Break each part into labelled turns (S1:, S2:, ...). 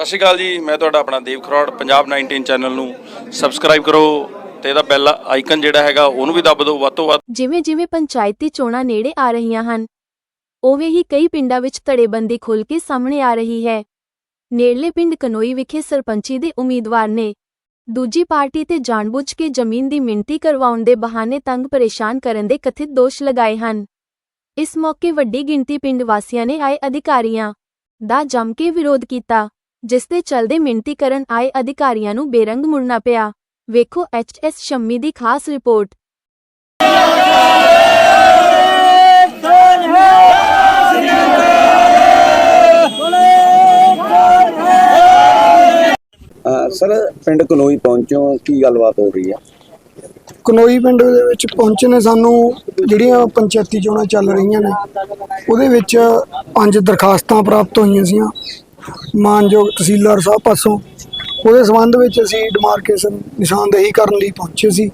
S1: ਸਤਿ ਸ਼੍ਰੀ ਅਕਾਲ ਜੀ, ਮੈਂ ਤੁਹਾਡਾ ਆਪਣਾ ਦੀਪ ਖਰੋੜ। ਪੰਜਾਬ 19 ਚੈਨਲ ਨੂੰ ਸਬਸਕ੍ਰਾਈਬ ਕਰੋ ਤੇ ਇਹਦਾ ਬੈਲ ਆਈਕਨ ਜਿਹੜਾ ਹੈਗਾ ਉਹਨੂੰ ਵੀ ਦੱਬ ਦਿਓ ਵੱਧ ਤੋਂ ਵੱਧ।
S2: ਜਿਵੇਂ ਪੰਚਾਇਤੀ ਚੋਣਾਂ ਨੇੜੇ ਆ ਰਹੀਆਂ ਹਨ, ਉਵੇਂ ਹੀ ਕਈ ਪਿੰਡਾਂ ਵਿੱਚ ਧੜੇਬੰਦੀ ਖੁੱਲ੍ਹ ਕੇ ਸਾਹਮਣੇ ਆ ਰਹੀ ਹੈ। ਨੇੜਲੇ ਪਿੰਡ ਕਨੋਈ ਵਿਖੇ ਸਰਪੰਚੀ ਦੇ ਉਮੀਦਵਾਰ ਨੇ ਦੂਜੀ ਪਾਰਟੀ ਤੇ ਜਾਣਬੁੱਝ ਕੇ ਜ਼ਮੀਨ ਦੀ ਮਿਣਤੀ ਕਰਵਾਉਣ ਦੇ ਬਹਾਨੇ ਤੰਗ ਪਰੇਸ਼ਾਨ ਕਰਨ ਦੇ ਕਥਿਤ ਦੋਸ਼ ਲਗਾਏ ਹਨ। ਇਸ ਮੌਕੇ ਵੱਡੀ ਗਿਣਤੀ ਪਿੰਡ ਵਾਸੀਆਂ ਨੇ ਆਏ ਅਧਿਕਾਰੀਆਂ ਦਾ ਜੰਮ ਕੇ ਵਿਰੋਧ ਕੀਤਾ, ਜਿਸ ਦੇ ਚਲਦੇ ਮਿਣਤੀ ਕਰਨ ਆਏ ਅਧਿਕਾਰੀਆਂ ਨੂੰ ਬੇਰੰਗ ਮੁੜਨਾ ਪਿਆ। ਵੇਖੋ HS ਸ਼ੰਮੀ ਦੀ ਖਾਸ ਰਿਪੋਰਟ।
S3: सर पिंड कनोई पहुंचो की गलबात हो रही है?
S4: कनोई पिंड दे विच पहुंचे ने सानू जिहड़ियां पंचायती चोणां चल रहीआं ने उहदे विच 5 दरखास्तां प्राप्त होईआं सीआं मानयोग तहसीलदार साहब पासों। उहदे संबंध विच असीं डिमार्केशन निशानदेही करन लई पहुंचे सी।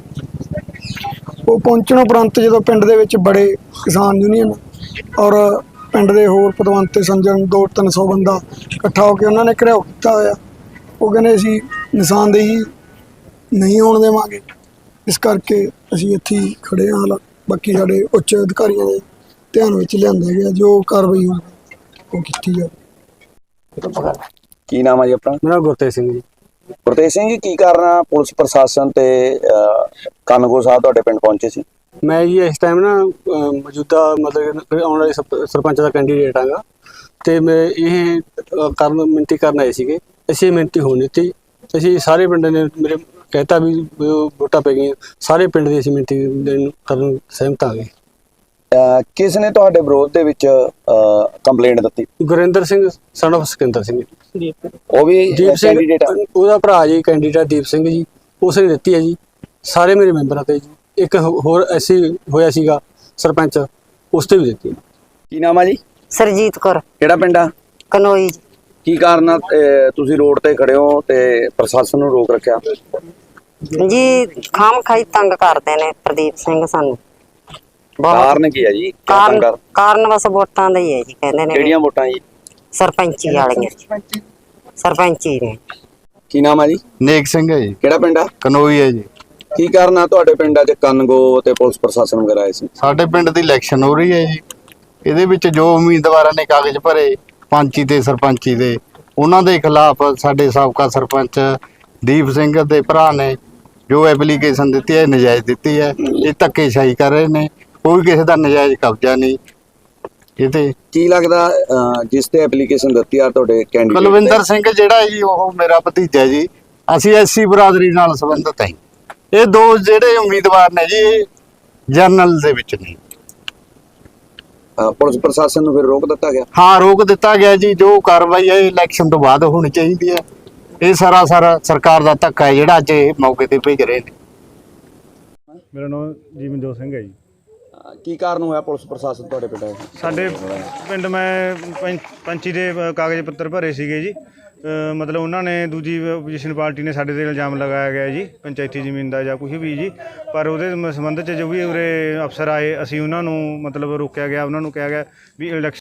S4: वो पहुंचण उपरंत जदों पिंड दे विच बड़े किसान यूनीअन और पिंड दे होर पतवंते संजन 200-300 बंदा इकट्ठा होकर उन्होंने घिराओ कीता होया। वो कहने असीं निशानदेही नहीं होण देवांगे, इस करके असीं इत्थे ही खड़े हाँ। हालांकि बाकी साडे उच्च अधिकारियों के ध्यान विच लिआंदा गया, जो कार्रवाई होगी वो कीती जाए।
S3: की नाम है जी अपना?
S5: मेरा गुरतेज सिंह जी।
S3: गुरतेज सिंह जी, की कारण पुलिस प्रशासन ते कानगो साहब तुहाडे पिंड पहुंचे सी?
S5: मैं जी इस टाइम ना मौजूदा मतलब आने वाले सरपंच का कैंडीडेट आंगा ते मैं ये करन मिनती करन आए सीगे। ਅਸੀਂ ਮਿਹਨਤੀ ਹੋਣ ਦਿੱਤੀ। ਅਸੀਂ ਸਾਰੇ ਪਿੰਡ ਨੇ ਮੇਰੇ ਕਹਿਤਾ ਵੀ ਵੋਟਾਂ ਪੈ ਗਈਆਂ, ਸਾਰੇ ਪਿੰਡ ਦੀ ਅਸੀਂ ਮਿਹਨਤੀ ਕਰਨ ਸਹਿਮਤ ਆ ਗਏ।
S3: ਕਿਸ ਨੇ ਤੁਹਾਡੇ ਵਿਰੋਧ ਦੇ ਵਿੱਚ ਕੰਪਲੇਂਟ ਦਿੱਤੀ?
S5: Gurinder Singh son of Sikandar Singh.
S3: ਉਹ ਵੀ
S5: ਦੀਪ ਸਿੰਘ
S3: ਕੈਂਡੀਡੇਟ ਆ?
S5: ਉਹਦਾ ਭਰਾ ਜੀ ਕੈਂਡੀਡੇਟ ਦੀਪ ਸਿੰਘ ਜੀ, ਉਸਨੇ ਦਿੱਤੀ ਹੈ ਜੀ। ਸਾਰੇ ਮੇਰੇ ਮੈਂਬਰਾਂ ਤੇ ਜੀ। ਇੱਕ ਹੋਰ ਐਸੀ ਹੋਇਆ ਸੀਗਾ ਸਰਪੰਚ, ਉਸ ਤੇ ਵੀ ਦਿੱਤੀ।
S3: ਕੀ ਨਾਮ ਆ ਜੀ?
S6: ਸਰਜੀਤ ਕੌਰ।
S3: ਕਿਹੜਾ ਪਿੰਡ ਆ?
S6: ਕਨੋਈ।
S3: ਕੀ ਕਾਰਨ ਤੁਸੀਂ ਰੋਡ ਤੇ ਖੜੇ ਹੋ ਤੇ ਪ੍ਰਸ਼ਾਸਨ ਨੂੰ ਰੋਕ ਰੱਖਿਆ?
S6: ਜੀ ਖਾਮ ਖਾਈ ਤੰਗ ਕਰਦੇ ਨੇ ਪ੍ਰਦੀਪ ਸਿੰਘ ਸਾਨੂੰ।
S3: ਕਾਰਨ ਕੀ ਹੈ ਜੀ?
S6: ਕਾਰਨ ਬਸ ਵੋਟਾਂ ਦਾ ਹੀ ਹੈ ਜੀ। ਕਹਿੰਦੇ ਨੇ
S3: ਕਿਹੜੀਆਂ ਵੋਟਾਂ ਜੀ?
S6: ਸਰਪੰਚੀ ਵਾਲੀਆਂ। ਸਰਪੰਚੀ ਨੇ।
S3: ਕੀ ਨਾਮ ਆ ਜੀ?
S7: ਨੇਕ ਸਿੰਘ ਹੈ ਜੀ।
S3: ਕਿਹੜਾ ਪਿੰਡ ਆ?
S7: ਕਨੋਈ ਹੈ ਜੀ।
S3: ਕੀ ਕਾਰਨ ਆ ਤੁਹਾਡੇ ਪਿੰਡਾਂ 'ਚ ਕਾਨਗੋ ਤੇ ਪੁਲਿਸ ਪ੍ਰਸ਼ਾਸਨ ਵਗੈਰਾ ਆਏ ਸੀ?
S7: ਸਾਡੇ ਪਿੰਡ ਦੀ ਇਲੈਕਸ਼ਨ ਹੋ ਰਹੀ ਹੈ ਜੀ। ਇਹਦੇ ਵਿੱਚ ਜੋ ਉਮੀਦਵਾਰਾਂ ਨੇ ਕਾਗਜ਼ ਭਰੇ ਪੰਚੀ ਤੇ ਸਰਪੰਚੀ ਦੇ, ਉਹਨਾਂ ਦੇ ਖਿਲਾਫ ਸਾਡੇ ਸਾਬਕਾ ਸਰਪੰਚ ਦੀਪ ਸਿੰਘ ਦੇ ਭਰਾ ਨੇ ਜੋ ਐਪਲੀਕੇਸ਼ਨ ਦਿੱਤੀ ਹੈ ਨਜਾਇਜ਼ ਦਿੱਤੀ ਹੈ। ਇਹ ਧੱਕੇਸ਼ਾਹੀ ਕਰ ਰਹੇ ਨੇ, ਕੋਈ ਕਿਸੇ ਦਾ ਨਜਾਇਜ਼ ਕਬਜ਼ਾ ਨਹੀਂ। ਇਹ ਤੇ
S3: ਕੀ ਲੱਗਦਾ ਜਿਸ ਤੇ ਐਪਲੀਕੇਸ਼ਨ ਦਿੱਤੀ ਆ ਤੁਹਾਡੇ ਕੈਂਡੀਡੇਟ
S7: ਕੁਲਵਿੰਦਰ ਸਿੰਘ ਜਿਹੜਾ ਜੀ, ਉਹ ਮੇਰਾ ਭਤੀਜਾ ਜੀ। ਅਸੀਂ SC ਬਰਾਦਰੀ ਨਾਲ ਸੰਬੰਧਿਤ ਹਾਂ। ਇਹ ਦੋ ਜਿਹੜੇ ਉਮੀਦਵਾਰ ਨੇ ਜੀ ਜਰਨਲ ਦੇ ਵਿੱਚ ਨੇ।
S3: ਪੁਲਿਸ ਪ੍ਰਸ਼ਾਸਨ ਨੂੰ ਫਿਰ ਰੋਕ ਦਿੱਤਾ ਗਿਆ?
S7: ਹਾਂ, ਰੋਕ ਦਿੱਤਾ ਗਿਆ ਜੀ। ਜੋ ਕਾਰਵਾਈ ਹੈ ਇਲੈਕਸ਼ਨ ਤੋਂ ਬਾਅਦ ਹੋਣੀ ਚਾਹੀਦੀ ਹੈ। ਇਹ ਸਾਰਾ ਸਰਕਾਰ ਦਾ ਧੱਕਾ ਹੈ ਜਿਹੜਾ ਅੱਜ ਇਹ ਮੌਕੇ ਤੇ ਭੇਜ ਰਹੇ ਨੇ।
S8: ਮੇਰਾ ਨਾਮ ਜੀਵਨਜੋਤ ਸਿੰਘ ਹੈ ਜੀ।
S3: ਕੀ ਕਾਰਨ ਹੋਇਆ ਪੁਲਿਸ ਪ੍ਰਸ਼ਾਸਨ ਤੁਹਾਡੇ ਪਿੰਡ?
S8: ਸਾਡੇ ਪਿੰਡ ਮੈਂ ਪੰਚੀ ਦੇ ਕਾਗਜ਼ ਪੱਤਰ ਭਰੇ ਸੀਗੇ ਜੀ। ਮਤਲਬ ਉਹਨਾਂ ਨੇ ਦੂਜੀ ਆਪੋਜੀਸ਼ਨ ਪਾਰਟੀ ਨੇ ਸਾਡੇ 'ਤੇ ਇਲਜ਼ਾਮ ਲਗਾਇਆ ਗਿਆ ਜੀ ਪੰਚਾਇਤੀ ਜ਼ਮੀਨ ਦਾ ਜਾਂ ਕੁਛ ਵੀ ਜੀ। ਪਰ ਉਹਦੇ ਸੰਬੰਧ 'ਚ ਜੋ ਵੀ ਉਰੇ ਅਫਸਰ ਆਏ, ਅਸੀਂ ਉਹਨਾਂ ਨੂੰ ਮਤਲਬ ਰੋਕਿਆ ਗਿਆ। ਉਹਨਾਂ ਨੂੰ ਕਿਹਾ ਗਿਆ ਵੀ ਇਲੈਕਸ਼ਨ